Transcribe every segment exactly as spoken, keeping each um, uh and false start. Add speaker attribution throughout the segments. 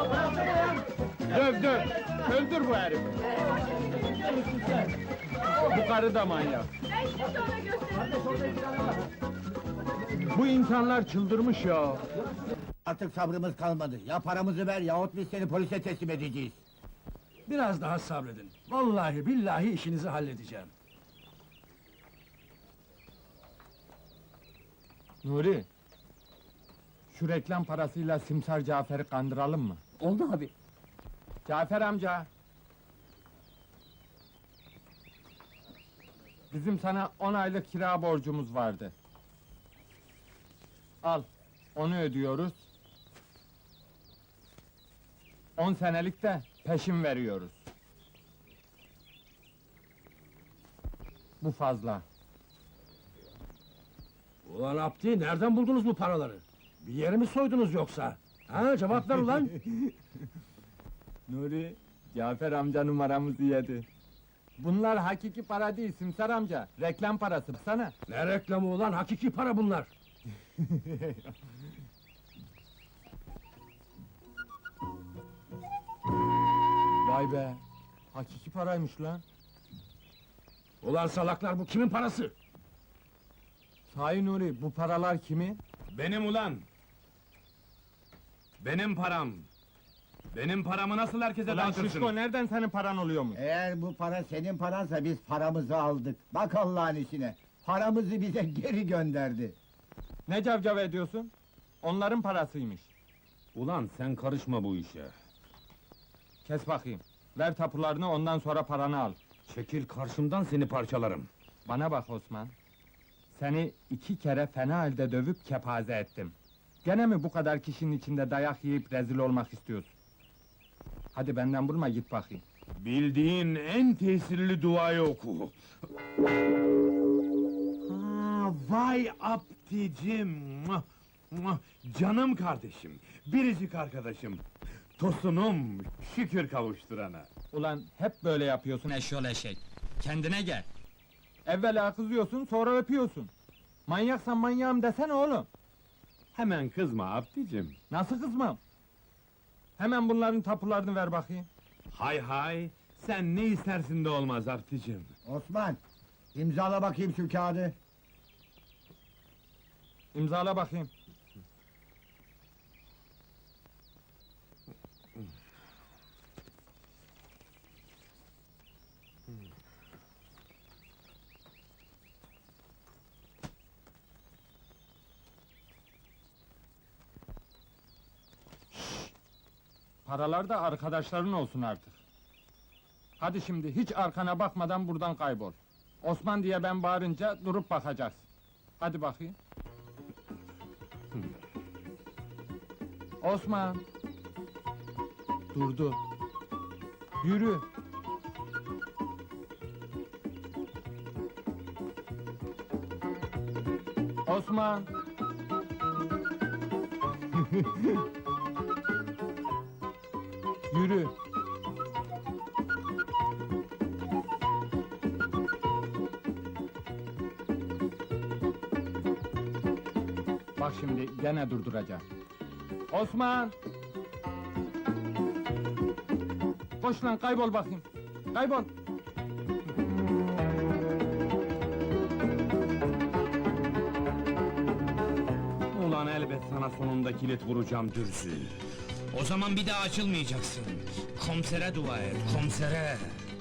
Speaker 1: Döv döv! Öldür bu herifi! Bu karı da manyak!
Speaker 2: Ben şimdi ona gösteririm.
Speaker 1: Bu insanlar çıldırmış ya!
Speaker 3: Artık sabrımız kalmadı. Ya paramızı ver yahut biz seni polise teslim edeceğiz.
Speaker 4: Biraz daha sabredin. Vallahi billahi işinizi halledeceğim.
Speaker 1: Nuri! Şu reklam parasıyla Simsar Cafer'i kandıralım mı?
Speaker 5: Oldu abi.
Speaker 1: Cafer amca! Bizim sana on aylık kira borcumuz vardı. Al, onu ödüyoruz. On senelik de peşin veriyoruz. Bu fazla.
Speaker 4: Ulan Abdi, nereden buldunuz bu paraları? Bir yeri mi soydunuz yoksa? Ha, cevap ver ulan!
Speaker 1: Nuri, Cafer amca numaramızı yedi. Bunlar hakiki para değil Simsar amca, reklam parası sana.
Speaker 4: Ne reklamı ulan, hakiki para bunlar!
Speaker 1: Vay be, hakiki paraymış lan.
Speaker 4: Ulan salaklar, bu kimin parası?
Speaker 1: Sahi Nuri, bu paralar kimin?
Speaker 6: Benim ulan! Benim param! Benim paramı nasıl herkese
Speaker 1: Ulan
Speaker 6: dağıtırsın?
Speaker 1: Şişko, nereden senin paran oluyor mu?
Speaker 3: Eğer bu para senin paransa biz paramızı aldık. Bak Allah'ın işine. Paramızı bize geri gönderdi.
Speaker 1: Ne cavcav ediyorsun? Onların parasıymış.
Speaker 6: Ulan sen karışma bu işe!
Speaker 1: Kes bakayım. Ver tapularını, ondan sonra paranı al.
Speaker 6: Çekil karşımdan, seni parçalarım!
Speaker 1: Bana bak Osman. Seni iki kere fena halde dövüp kepaze ettim. Gene mi bu kadar kişinin içinde dayak yiyip rezil olmak istiyorsun? Hadi benden vurma, git bakayım.
Speaker 6: Bildiğin en tesirli duayı oku! Ha, vay Abdicim! Muah, muah! Canım kardeşim, biricik arkadaşım! Tosunum, şükür kavuşturana!
Speaker 1: Ulan hep böyle yapıyorsun eşyol eşek. Kendine gel. Evvela kızıyorsun, sonra öpüyorsun. Manyaksan manyağım desene oğlum.
Speaker 6: Hemen kızma Abdicim!
Speaker 1: Nasıl kızmam? Hemen bunların tapularını ver bakayım.
Speaker 6: Hay hay! Sen ne istersin de olmaz Abdicim!
Speaker 3: Osman, imzala bakayım şu kağıdı.
Speaker 1: İmzala bakayım. Paralar da arkadaşların olsun artık. Hadi şimdi hiç arkana bakmadan buradan kaybol. Osman diye ben bağırınca durup bakacaksın. Hadi bakayım. Osman! Durdu. Yürü! Osman! Yürü! Bak şimdi gene durduracağım. Osman! Koş lan, kaybol bakayım. Kaybol!
Speaker 6: Ulan elbet sana sonunda kilit vuracağım dürzü!
Speaker 7: O zaman bir daha açılmayacaksın. Komisere dua et, komisere!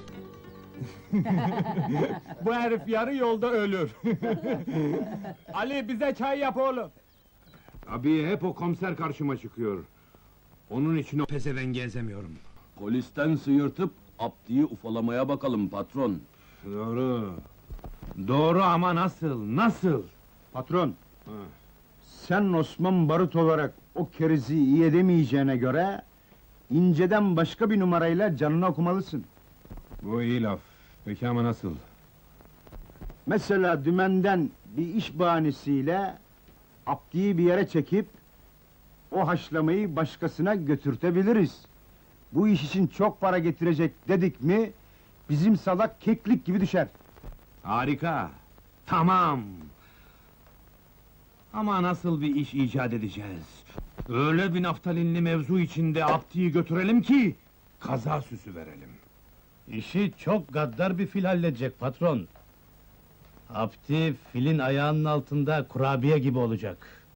Speaker 1: Bu herif yarı yolda ölür. Ali, bize çay yap oğlum.
Speaker 6: Abi hep o komiser karşıma çıkıyor. Onun için o pezevengi ezemiyorum.
Speaker 8: Polisten sıyırtıp Abdi'yi ufalamaya bakalım patron.
Speaker 6: Doğru. Doğru ama nasıl, nasıl?
Speaker 9: Patron, sen Osman Barut olarak o kerizi iyi edemeyeceğine göre... ...inceden başka bir numarayla canını okumalısın.
Speaker 6: Bu iyi laf. Peki ama nasıl?
Speaker 9: Mesela dümenden bir iş bahanesiyle... ...Abdi'yi bir yere çekip... ...o haşlamayı başkasına götürtebiliriz. Bu iş için çok para getirecek dedik mi... ...bizim salak keklik gibi düşer.
Speaker 6: Harika! Tamam! Ama nasıl bir iş icat edeceğiz? Öyle bir naftalinli mevzu içinde Abdi'yi götürelim ki kaza süsü verelim.
Speaker 2: İşi çok gaddar bir fil halledecek patron. Abdi filin ayağının altında kurabiye gibi olacak.